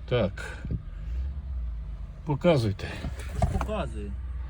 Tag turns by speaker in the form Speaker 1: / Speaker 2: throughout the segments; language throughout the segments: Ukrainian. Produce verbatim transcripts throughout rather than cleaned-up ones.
Speaker 1: Так. Показуйте.
Speaker 2: Показую.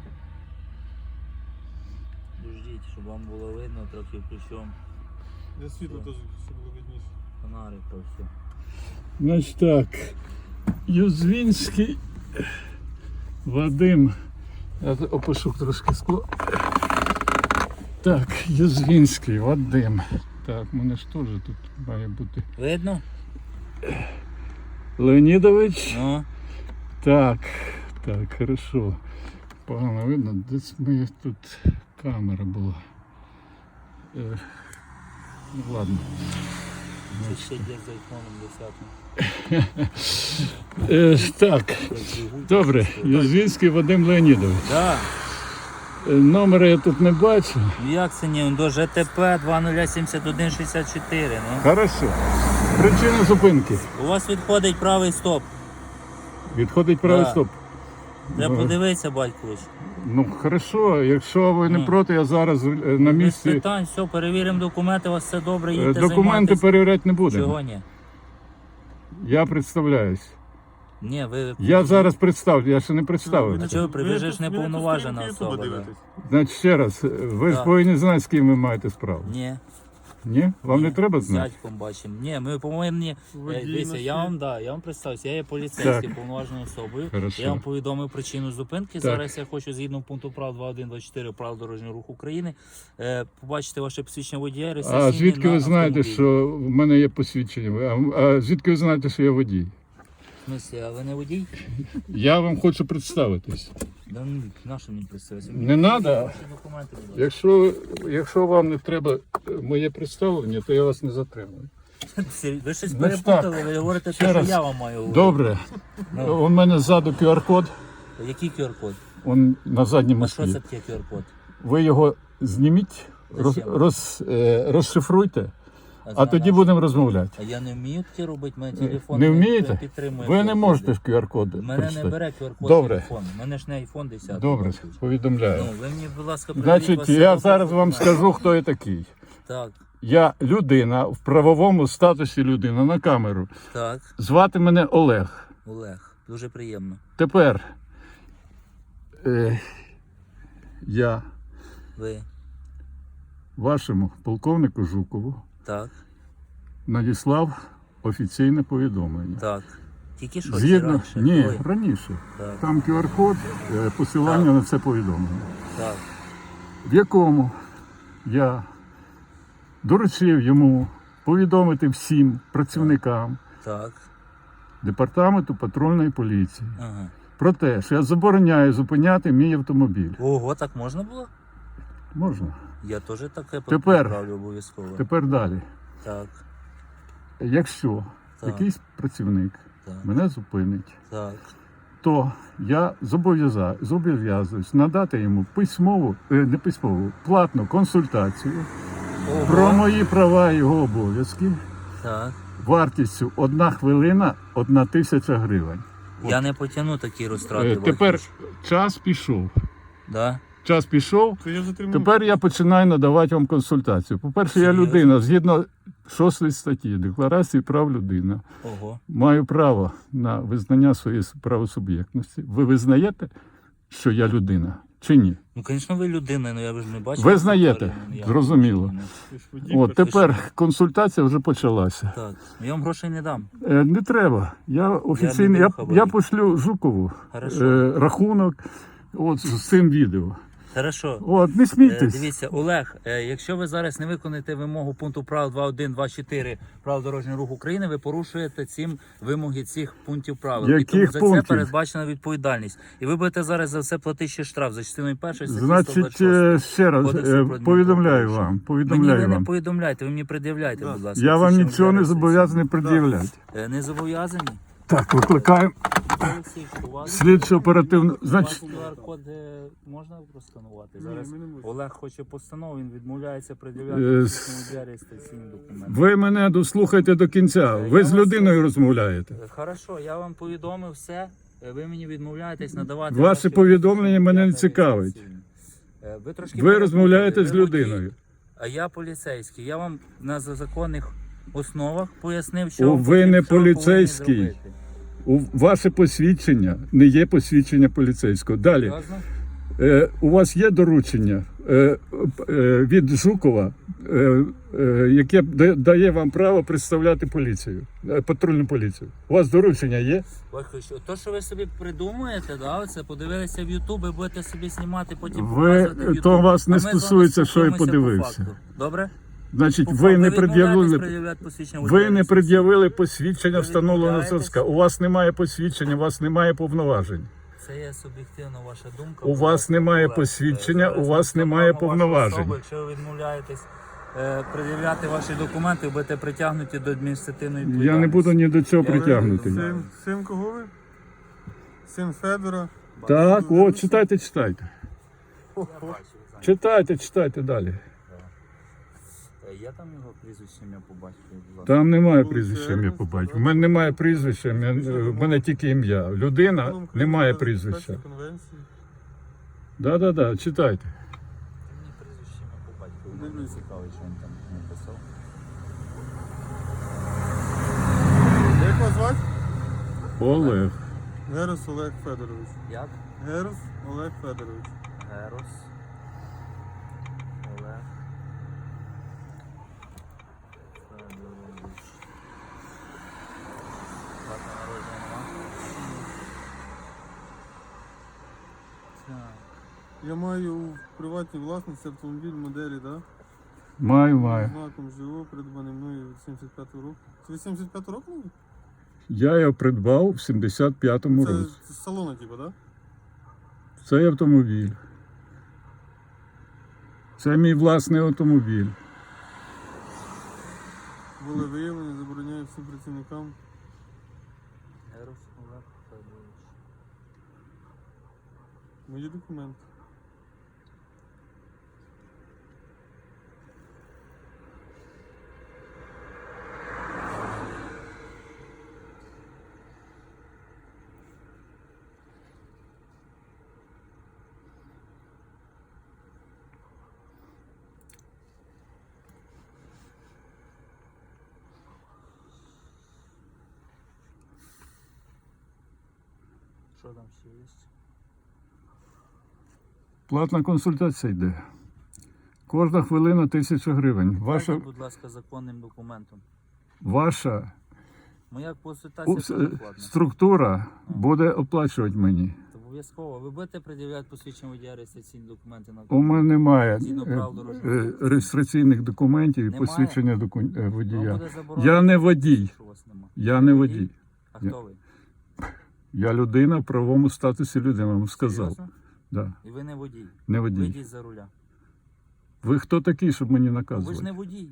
Speaker 2: Дождіть, щоб вам було видно трохи ключом.
Speaker 3: Для світла теж, щоб було видніше.
Speaker 2: Фонарик то все.
Speaker 1: Значить так. Юзвінський Вадим. Я опишу трошки скло. Так, Юзвінський Вадим. Так, у мене ж теж тут має бути.
Speaker 2: Видно?
Speaker 1: Леонідович.
Speaker 2: Ну.
Speaker 1: Так, так, хорошо. Погано видно, десь моя тут камера була. Е, ну ладно.
Speaker 2: Це ще є з айфоном десятим.
Speaker 1: Е, так, добре, Юзвінський Вадим Леонідович.
Speaker 2: Так.
Speaker 1: Е, номера я тут не бачу.
Speaker 2: Ну як це ні? До ЖТП два нуль сімдесят один шістдесят чотири. Ну.
Speaker 1: Хорошо. Причина зупинки.
Speaker 2: У вас відходить правий стоп.
Speaker 1: Відходить правий
Speaker 2: Да.
Speaker 1: стоп.
Speaker 2: Треба
Speaker 1: Ну,
Speaker 2: подивитися, батькович.
Speaker 1: Ну, хорошо, якщо ви не
Speaker 2: Ну.
Speaker 1: проти, я зараз е, на
Speaker 2: Без
Speaker 1: місці.
Speaker 2: питань, все, перевіримо документи, у вас все добре,
Speaker 1: Е,
Speaker 2: їдьте
Speaker 1: Документи
Speaker 2: займайтесь.
Speaker 1: перевіряти не будемо.
Speaker 2: Чого ні?
Speaker 1: Я представляюсь.
Speaker 2: Ні, ви...
Speaker 1: Я зараз представлю, я ще не представив.
Speaker 2: А чого ви при- ви ж
Speaker 3: тут- ви
Speaker 2: неповноважена
Speaker 3: тут
Speaker 2: особа,
Speaker 3: Ютуба
Speaker 2: да.
Speaker 3: дивитесь.
Speaker 1: Значить, ще раз, ви ж
Speaker 2: Так.
Speaker 1: повинні знати, з ким ви маєте справу.
Speaker 2: Ні.
Speaker 1: Ні? Вам не
Speaker 2: Ні,
Speaker 1: треба
Speaker 2: з
Speaker 1: знати?
Speaker 2: дядьком бачимо. Ні, ми повинні.
Speaker 3: Водій
Speaker 2: Е, Дивіться,
Speaker 3: наш
Speaker 2: я
Speaker 3: є.
Speaker 2: вам да, я вам представився, я є поліцейський
Speaker 1: Так.
Speaker 2: повноваженою особою.
Speaker 1: Хорошо.
Speaker 2: Я вам повідомив причину зупинки.
Speaker 1: Так.
Speaker 2: Зараз я хочу згідно пункту прав два один два чотири правил дорожнього руху України е, побачити ваше посвідчення водія.
Speaker 1: А
Speaker 2: реєстраційний
Speaker 1: звідки
Speaker 2: на
Speaker 1: ви знаєте,
Speaker 2: автомобілі.
Speaker 1: що в мене є посвідчення? А, а звідки ви знаєте, що я водій?
Speaker 2: В смислі, а ви не водій?
Speaker 1: Я вам хочу представитись.
Speaker 2: Да, ну, на що мені представитися?
Speaker 1: Не надо.
Speaker 2: Ваші документи, будь ласка.
Speaker 1: Якщо, якщо вам не треба моє представлення, то я вас не затримую.
Speaker 2: Ви щось
Speaker 1: Ну,
Speaker 2: перепутали, ви говорите
Speaker 1: Ще
Speaker 2: те, що
Speaker 1: раз.
Speaker 2: я вам маю говорити.
Speaker 1: Добре.
Speaker 2: Ну.
Speaker 1: У мене ззаду ку ар код,
Speaker 2: Який ку ар код?
Speaker 1: он на задньому
Speaker 2: А що
Speaker 1: склі.
Speaker 2: це таке ку ар код?
Speaker 1: Ви його зніміть, роз,
Speaker 2: Зачем?
Speaker 1: роз, е, розшифруйте, а
Speaker 2: знаю,
Speaker 1: тоді
Speaker 2: на
Speaker 1: будемо розмовляти.
Speaker 2: А я не вмію таке робити, мене телефон
Speaker 1: Не вмієте?
Speaker 2: підтримує.
Speaker 1: Ви не
Speaker 2: ку ар коди.
Speaker 1: можете ж ку ар код
Speaker 2: Мене не
Speaker 1: прочитати.
Speaker 2: бере ку ар код
Speaker 1: Добре.
Speaker 2: телефон. У мене ж не айфон десять.
Speaker 1: Добре, повідомляю.
Speaker 2: Ну, ви мені, будь ласка, придивіть
Speaker 1: Значить,
Speaker 2: ваші
Speaker 1: я
Speaker 2: документи.
Speaker 1: зараз вам скажу, хто я такий.
Speaker 2: Так,
Speaker 1: Я людина в правовому статусі людина на камеру.
Speaker 2: так,
Speaker 1: Звати мене Олег.
Speaker 2: Олег, дуже приємно.
Speaker 1: Тепер е, я
Speaker 2: Ви,
Speaker 1: вашому полковнику Жукову
Speaker 2: так,
Speaker 1: надіслав офіційне повідомлення.
Speaker 2: так. Тільки що, чи
Speaker 1: Згідно,
Speaker 2: раніше?
Speaker 1: ні,
Speaker 2: Коли?
Speaker 1: раніше.
Speaker 2: Так,
Speaker 1: Там ку ар код, е, посилання
Speaker 2: Так.
Speaker 1: на це повідомлення.
Speaker 2: так,
Speaker 1: В якому я доручив йому повідомити всім працівникам
Speaker 2: так,
Speaker 1: департаменту патрульної поліції
Speaker 2: ага.
Speaker 1: про те, що я забороняю зупиняти мій автомобіль.
Speaker 2: Ого, так можна було?
Speaker 1: Можна?
Speaker 2: Я теж таке
Speaker 1: Тепер.
Speaker 2: відправлю обов'язково.
Speaker 1: Тепер далі.
Speaker 2: Так,
Speaker 1: Якщо
Speaker 2: Так.
Speaker 1: якийсь працівник
Speaker 2: так,
Speaker 1: мене зупинить,
Speaker 2: так,
Speaker 1: то я зобов'яза- зобов'язуюсь надати йому письмову, е, не письмову, платну консультацію про
Speaker 2: Ого,
Speaker 1: мої права і його обов'язки
Speaker 2: так.
Speaker 1: вартістю одна хвилина, одна тисяча гривень.
Speaker 2: Я не потягну такі розтрати.
Speaker 1: Е, Тепер
Speaker 2: батькович.
Speaker 1: час пішов.
Speaker 2: Да?
Speaker 1: Час пішов.
Speaker 3: То я затримав.
Speaker 1: Тепер я починаю надавати вам консультацію. По-перше, я
Speaker 2: Серйозно?
Speaker 1: людина, згідно шостої статті Декларації прав людини.
Speaker 2: Ого.
Speaker 1: Маю право на визнання своєї правосуб'єктності. Ви визнаєте, що я людина, чи ні?
Speaker 2: Ну, звісно, ви людина, але я ж не бачу.
Speaker 1: Ви знаєте, зрозуміло.
Speaker 3: Ти ж водій,
Speaker 1: От
Speaker 3: перший.
Speaker 1: тепер консультація вже почалася.
Speaker 2: Так, я вам грошей не дам.
Speaker 1: Е, Не треба. Я офіційно,
Speaker 2: не
Speaker 1: я,
Speaker 2: був
Speaker 1: я,
Speaker 2: хабарі.
Speaker 1: пошлю Жукову
Speaker 2: Хорошо.
Speaker 1: е, рахунок от, з цим відео.
Speaker 2: Хорошо.
Speaker 1: От, не
Speaker 2: Е,
Speaker 1: смійтесь.
Speaker 2: Дивіться, Олег, е, якщо ви зараз не виконаєте вимогу пункту правил два один два чотири правил дорожнього руху України, ви порушуєте цим вимоги цих пунктів правил. І
Speaker 1: Яких
Speaker 2: тому за
Speaker 1: пунктів?
Speaker 2: це передбачена відповідальність. І ви будете зараз за це платити ще штраф за частиною першої статті
Speaker 1: Значить,
Speaker 2: сто двадцять шість.
Speaker 1: е, ще раз
Speaker 2: Кодексу
Speaker 1: е,
Speaker 2: про
Speaker 1: повідомляю
Speaker 2: адмінправопорушення.
Speaker 1: вам.
Speaker 2: Мені
Speaker 1: Повідомляю
Speaker 2: ви не
Speaker 1: вам.
Speaker 2: повідомляйте, ви мені пред'являйте, будь ласка.
Speaker 1: Я вам
Speaker 2: Це ще
Speaker 1: нічого не
Speaker 2: реєстрація.
Speaker 1: зобов'язаний пред'являти.
Speaker 2: Е, Не зобов'язані?
Speaker 1: Так, викликаємо
Speaker 2: Олексій, у вас-
Speaker 1: слідчо оперативну.
Speaker 2: У вас
Speaker 1: Значить,
Speaker 2: ку ар код е, можна просканувати?
Speaker 3: Ні,
Speaker 2: Зараз
Speaker 3: ми не можемо.
Speaker 2: Олег хоче постанову, він відмовляється
Speaker 1: Е,
Speaker 2: пред'являти
Speaker 1: с-
Speaker 2: для реєстраційні документи.
Speaker 1: ви мене дослухайте до кінця. Ви
Speaker 2: Я
Speaker 1: з
Speaker 2: вас-
Speaker 1: людиною розмовляєте.
Speaker 2: Е, Хорошо, я вам повідомив все. е, Ви мені відмовляєтесь надавати.
Speaker 1: Ваше
Speaker 2: ваші
Speaker 1: повідомлення мене не
Speaker 2: посвідчення
Speaker 1: цікавить.
Speaker 2: реєстраційні. Е, Ви, трошки
Speaker 1: Ви
Speaker 2: перепутали,
Speaker 1: розмовляєте з
Speaker 2: ви водій,
Speaker 1: людиною.
Speaker 2: А я поліцейський. Я вам на законних основах пояснив, що
Speaker 1: О,
Speaker 2: вам
Speaker 1: ви
Speaker 2: потрібно-
Speaker 1: не
Speaker 2: що ви повинні
Speaker 1: поліцейський.
Speaker 2: зробити.
Speaker 1: У ваше посвідчення не є посвідчення поліцейського. Далі.
Speaker 2: Серйозно?
Speaker 1: Е, у вас є доручення е, е, від Жукова, е, е, яке да- дає вам право представляти поліцію, е, патрульну поліцію. У вас доручення є?
Speaker 2: Батько, що то, що ви собі придумуєте, да, оце подивилися в Ютуб і будете собі знімати, потім
Speaker 1: Ви-
Speaker 2: показувати в Ютуб.
Speaker 1: то вас не
Speaker 2: А ми з вами
Speaker 1: стосується, що я
Speaker 2: спілкуємося по
Speaker 1: подивився.
Speaker 2: факту. Добре?
Speaker 1: Значить,
Speaker 2: По
Speaker 1: ви
Speaker 2: факту.
Speaker 1: не
Speaker 2: відмовляєтесь
Speaker 1: пред'явили.
Speaker 2: пред'являти посвідчення
Speaker 1: Ви
Speaker 2: водія
Speaker 1: не
Speaker 2: реєстрації?
Speaker 1: пред'явили посвідчення
Speaker 2: Ви
Speaker 1: встановленого
Speaker 2: відмовляєтесь?
Speaker 1: зразка. У вас немає посвідчення, у вас немає повноважень.
Speaker 2: Це є суб'єктивна ваша думка.
Speaker 1: У
Speaker 2: будь
Speaker 1: вас
Speaker 2: ласка,
Speaker 1: немає
Speaker 2: будь ласка.
Speaker 1: посвідчення,
Speaker 2: Зараз
Speaker 1: у
Speaker 2: ми
Speaker 1: вас
Speaker 2: встановимо
Speaker 1: немає
Speaker 2: вашу
Speaker 1: повноважень.
Speaker 2: особу. Якщо ви відмовляєтесь е, пред'являти ваші документи, будете притягнуті до адміністративної відповідальності.
Speaker 1: Я не буду ні до цього
Speaker 2: Я
Speaker 1: притягнутий.
Speaker 2: не
Speaker 3: Син, син кого ви? Син Федора.
Speaker 1: Так, о, читайте, читайте.
Speaker 2: Я бачу, ви знаєте.
Speaker 1: Читайте, читайте далі.
Speaker 2: Е, Я там його прізвище ім'я побачив, будь ласка.
Speaker 1: Там немає
Speaker 3: Вулиця
Speaker 1: прізвища ім'я
Speaker 3: Ернеста,
Speaker 1: по батьку.
Speaker 3: да?
Speaker 1: У мене немає прізвища, в мене тільки ім'я. Людина немає прізвища.
Speaker 3: Конвенції.
Speaker 1: Да, да, да, читайте.
Speaker 2: Мені прізвище ім'я по батьку. Мені
Speaker 3: Дивлюсь.
Speaker 2: цікаво, що він там написав.
Speaker 3: Як вас звати?
Speaker 1: Олег.
Speaker 3: Герус Олег Федорович.
Speaker 2: Як?
Speaker 3: Герус Олег Федорович.
Speaker 2: Герос. Олег. Федорович. Дата народження нема? Так.
Speaker 3: Я маю у приватній власності автомобіль моделі, да?
Speaker 1: Маю, маю.
Speaker 3: Знаком ЖО, придбаний мною від сімдесят п'ятого року. Це ви сімдесят п'ятого року? були?
Speaker 1: Я його придбав в сімдесят п'ятому
Speaker 3: Це
Speaker 1: році.
Speaker 3: з салону, типу, да?
Speaker 1: Цей автомобіль. Це мій власний автомобіль.
Speaker 3: Були виявлені, забороняю всім працівникам.
Speaker 2: Герос Олег Федорович.
Speaker 3: Мої документи.
Speaker 2: Що там ще є?
Speaker 1: Платна консультація йде. Кожна хвилина тисяча гривень. Ваша,
Speaker 2: Ваша... будь ласка, законним документом.
Speaker 1: ваша
Speaker 2: Моя
Speaker 1: у-
Speaker 2: консультація
Speaker 1: с-
Speaker 2: теж платна.
Speaker 1: структура буде оплачувати мені.
Speaker 2: Обов'язково. Ви будете пред'являти посвідчення водія реєстраційні документи на
Speaker 1: У мене немає
Speaker 2: Згідно
Speaker 1: е,
Speaker 2: правил дорожнього
Speaker 1: е,
Speaker 2: руху.
Speaker 1: реєстраційних документів і
Speaker 2: Немає?
Speaker 1: посвідчення доку- е,
Speaker 2: Вам
Speaker 1: водія.
Speaker 2: буде заборонено,
Speaker 1: Я не водій.
Speaker 2: що у вас немає.
Speaker 1: Я не водій.
Speaker 2: А
Speaker 1: Ні.
Speaker 2: хто ви?
Speaker 1: Я людина в правовому статусі людини, вам сказав.
Speaker 2: Серйозно?
Speaker 1: Да.
Speaker 2: І ви не водій.
Speaker 1: Не водій.
Speaker 2: Вийдіть за руля.
Speaker 1: Ви хто такий, щоб мені
Speaker 2: Ви ж
Speaker 1: наказувати?
Speaker 2: не водій.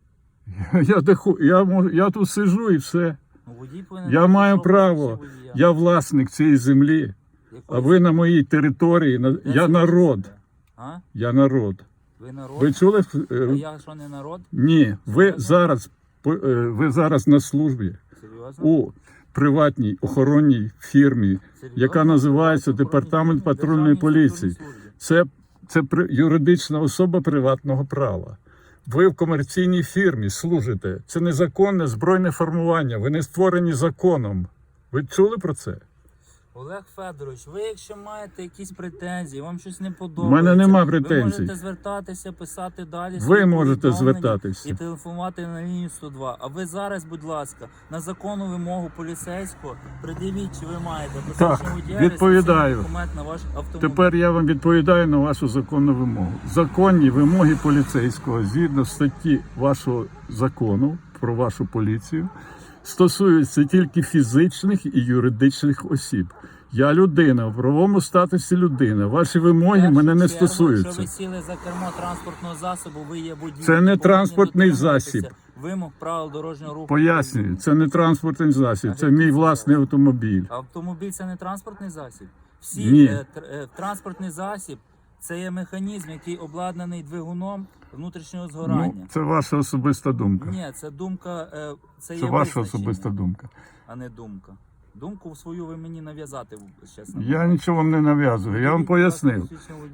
Speaker 1: Я, де ху- я, можу- я тут сижу і все.
Speaker 2: Ну, водій повинен
Speaker 1: Я
Speaker 2: мати
Speaker 1: маю
Speaker 2: особливості
Speaker 1: право.
Speaker 2: водія.
Speaker 1: Я власник цієї землі, а
Speaker 2: Якої
Speaker 1: ви на моїй території. на-
Speaker 2: Де
Speaker 1: Я
Speaker 2: це
Speaker 1: народ.
Speaker 2: ви? А?
Speaker 1: Я народ.
Speaker 2: Ви народ?
Speaker 1: Ви чули?
Speaker 2: А
Speaker 1: е,
Speaker 2: я що, не народ?
Speaker 1: Ні, ви
Speaker 2: Серйозно?
Speaker 1: зараз по- е, ви зараз на службі
Speaker 2: Серйозно?
Speaker 1: у приватній охоронній фірмі,
Speaker 2: Серйозно?
Speaker 1: яка називається
Speaker 2: Охоронній
Speaker 1: Департамент
Speaker 2: фірмі,
Speaker 1: патрульної
Speaker 2: Державній
Speaker 1: поліції.
Speaker 2: структурній службі.
Speaker 1: Це, це при- юридична особа приватного права. Ви в комерційній фірмі служите. Це незаконне збройне формування. Ви не створені законом. Ви чули про це?
Speaker 2: Олег Федорович, ви якщо маєте якісь претензії, вам щось не подобається,
Speaker 1: мене нема
Speaker 2: ви
Speaker 1: претензій.
Speaker 2: можете звертатися, писати далі.
Speaker 1: Ви
Speaker 2: свої
Speaker 1: можете
Speaker 2: повідомлення
Speaker 1: звертатися.
Speaker 2: І телефонувати на лінію сто два. А ви зараз, будь ласка, на законну вимогу поліцейського пред'явіть, чи ви маєте посвідчення водія,
Speaker 1: відповідаю.
Speaker 2: реєстраційний документ на ваш автомобіль.
Speaker 1: Тепер я вам відповідаю на вашу законну вимогу. Законні вимоги поліцейського згідно статті вашого закону про вашу поліцію стосуються тільки фізичних і юридичних осіб. Я людина, в правовому статусі людина. Ваші вимоги
Speaker 2: В першу
Speaker 1: мене не
Speaker 2: чергу,
Speaker 1: стосуються.
Speaker 2: Якщо ви сіли за кермо транспортного засобу, ви є водій.
Speaker 1: Це не
Speaker 2: повинні
Speaker 1: транспортний
Speaker 2: дотримуватися
Speaker 1: засіб.
Speaker 2: Вимог правил дорожнього руху.
Speaker 1: Пояснюю, це не транспортний засіб, це мій власний автомобіль.
Speaker 2: Автомобіль це не транспортний засіб. Всі
Speaker 1: Ні.
Speaker 2: е, тр- е, транспортний засіб це є механізм, який обладнаний двигуном внутрішнього згорання.
Speaker 1: Ну, це ваша особиста думка.
Speaker 2: Ні, це думка, е, це,
Speaker 1: Це
Speaker 2: є
Speaker 1: ваша
Speaker 2: визначення,
Speaker 1: особиста думка.
Speaker 2: а не думка. Думку свою ви мені нав'язати, чесно.
Speaker 1: Я нічого вам не нав'язую, я вам пояснив.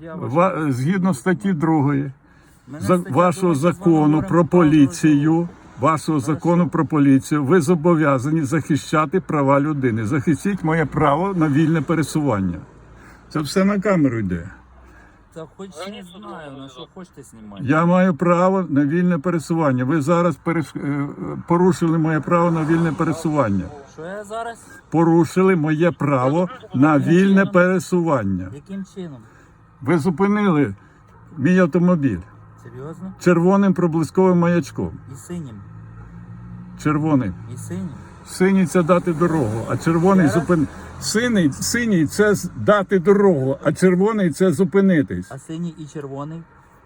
Speaker 1: Ва- Згідно статті другої
Speaker 2: Мене
Speaker 1: за-
Speaker 2: стаття
Speaker 1: вашого
Speaker 2: друга, ми з вами
Speaker 1: закону
Speaker 2: говоримо
Speaker 1: про
Speaker 2: правила дорожнього
Speaker 1: поліцію,
Speaker 2: руху.
Speaker 1: вашого закону про поліцію, ви зобов'язані захищати права людини. Захистіть моє право на вільне пересування. Це все на камеру йде.
Speaker 2: Та хоч не знаю, на що хочете знімати.
Speaker 1: Я маю право на вільне пересування. Ви зараз переш... е, порушили моє право на вільне пересування.
Speaker 2: Що я зараз?
Speaker 1: Порушили моє право на вільне пересування.
Speaker 2: Яким чином?
Speaker 1: Ви зупинили мій автомобіль
Speaker 2: Серйозно?
Speaker 1: червоним проблисковим маячком.
Speaker 2: І синім.
Speaker 1: Червоним.
Speaker 2: І синім.
Speaker 1: Синій це дати дорогу, а червоний
Speaker 2: Ще раз?
Speaker 1: зупин... Синій, синій це з- дати дорогу, а червоний це зупинитись.
Speaker 2: А синій і червоний?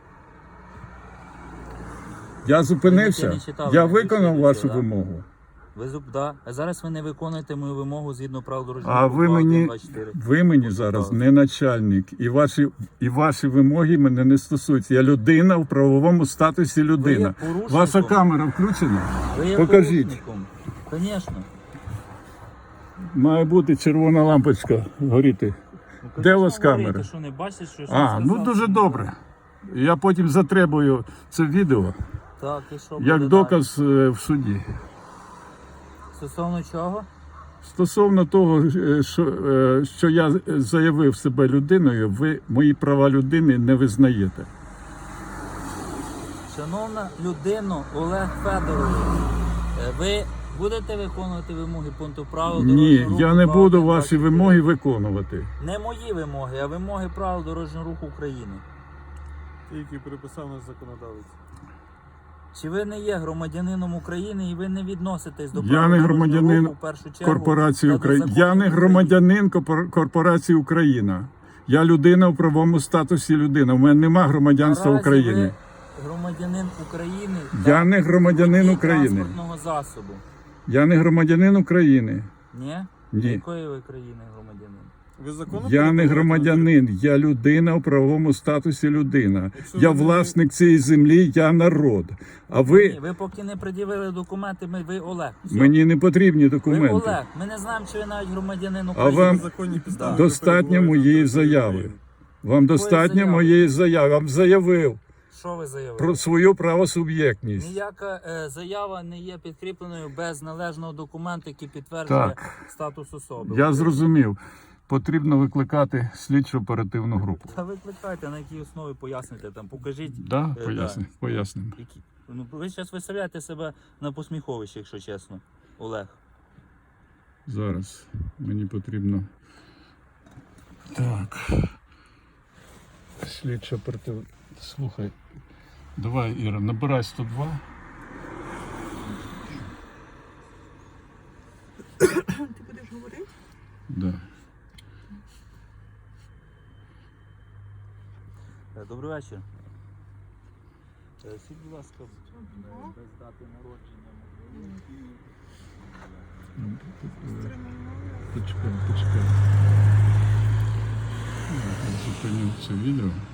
Speaker 1: Я зупинився,
Speaker 2: не читали,
Speaker 1: я
Speaker 2: не
Speaker 1: виконав
Speaker 2: читали,
Speaker 1: вашу
Speaker 2: да?
Speaker 1: вимогу.
Speaker 2: Ви зуб, да. А зараз ви не виконуєте мою вимогу згідно правил дорожнього
Speaker 1: А
Speaker 2: руху
Speaker 1: ви
Speaker 2: два один
Speaker 1: мені,
Speaker 2: два чотири.
Speaker 1: ви мені зараз не начальник, і ваші, і ваші вимоги мене не стосуються. Я людина в правовому статусі людина.
Speaker 2: порушником.
Speaker 1: Ваша камера включена?
Speaker 2: Ви є
Speaker 1: Покажіть.
Speaker 2: порушником. Звісно.
Speaker 1: Має бути червона лампочка горіти. Де у вас камера?
Speaker 2: Що не бачите, що
Speaker 1: А, ну дуже добре. Я потім затребую це відео
Speaker 2: Так, і що
Speaker 1: як
Speaker 2: буде
Speaker 1: доказ е, в суді.
Speaker 2: далі? Стосовно чого?
Speaker 1: Стосовно того, е, що, е, що я заявив себе людиною, ви мої права людини не визнаєте.
Speaker 2: Шановна людино Олег Федорович, е, ви будете виконувати вимоги пункту правил
Speaker 1: Ні,
Speaker 2: дорожнього руху
Speaker 1: я не
Speaker 2: два
Speaker 1: буду
Speaker 2: один два
Speaker 1: ваші
Speaker 2: чотири?
Speaker 1: вимоги виконувати.
Speaker 2: Не мої вимоги, а вимоги правил дорожнього руху України.
Speaker 3: Ті, які переписав наш законодавець.
Speaker 2: Чи ви не є громадянином України і ви не відноситесь до
Speaker 1: Я
Speaker 2: правил
Speaker 1: не
Speaker 2: дорожнього
Speaker 1: громадянин
Speaker 2: руху в першу чергу
Speaker 1: Корпорації
Speaker 2: та до
Speaker 1: Україна.
Speaker 2: законів
Speaker 1: Я не
Speaker 2: України?
Speaker 1: громадянин корпор- корпорації Україна. Я людина в правовому статусі людина. У мене нема громадянства
Speaker 2: Наразі
Speaker 1: України.
Speaker 2: ви громадянин України.
Speaker 1: Я
Speaker 2: та
Speaker 1: не громадянин
Speaker 2: водій
Speaker 1: України.
Speaker 2: транспортного засобу.
Speaker 1: Я не громадянин України.
Speaker 2: Ні?
Speaker 1: Ні.
Speaker 2: Якої ви країни громадянин?
Speaker 3: Ви законно
Speaker 1: Я не
Speaker 3: перебуваєте
Speaker 1: громадянин, я людина в правовому статусі людина.
Speaker 3: Якщо
Speaker 1: Я
Speaker 3: ви не-
Speaker 1: власник цієї землі, я народ. А
Speaker 2: Ні,
Speaker 1: ви
Speaker 2: ви поки не пред'явили документи, ми, ви Олег. Все.
Speaker 1: мені не потрібні
Speaker 2: Ви
Speaker 1: документи.
Speaker 2: Олег. Ми не знаємо, чи ви навіть громадянин
Speaker 1: А
Speaker 2: України.
Speaker 1: вам
Speaker 3: на законній підставі?
Speaker 1: достатньо
Speaker 3: Ви перебуваєте на
Speaker 1: моєї
Speaker 3: території
Speaker 1: заяви.
Speaker 3: України.
Speaker 1: Вам достатньо
Speaker 2: заяви?
Speaker 1: моєї заяви. Я вам заявив
Speaker 2: Що ви заявили?
Speaker 1: про свою правосуб'єктність.
Speaker 2: Ніяка е, заява не є підкріпленою без належного документу, який підтверджує
Speaker 1: Так.
Speaker 2: статус особи.
Speaker 1: Я зрозумів. Потрібно викликати слідчо оперативну групу.
Speaker 2: Та викликайте, на якій основі поясните там, покажіть.
Speaker 1: Да?
Speaker 2: Е,
Speaker 1: Поясню,
Speaker 2: да.
Speaker 1: пояснимо.
Speaker 2: Які... Ну, ви зараз виставляєте себе на посміховище, якщо чесно, Олег.
Speaker 1: Зараз мені потрібно. Так. Слідчо оперативна. Слухай. Давай, Іра, набирай сто два.
Speaker 4: Ти будеш говорити?
Speaker 1: Да.
Speaker 2: Е, Добрий вечір. Е, Скажіть, будь ласка, е, без дати народження.
Speaker 1: Почекай, почекай. Я зупиню це відео.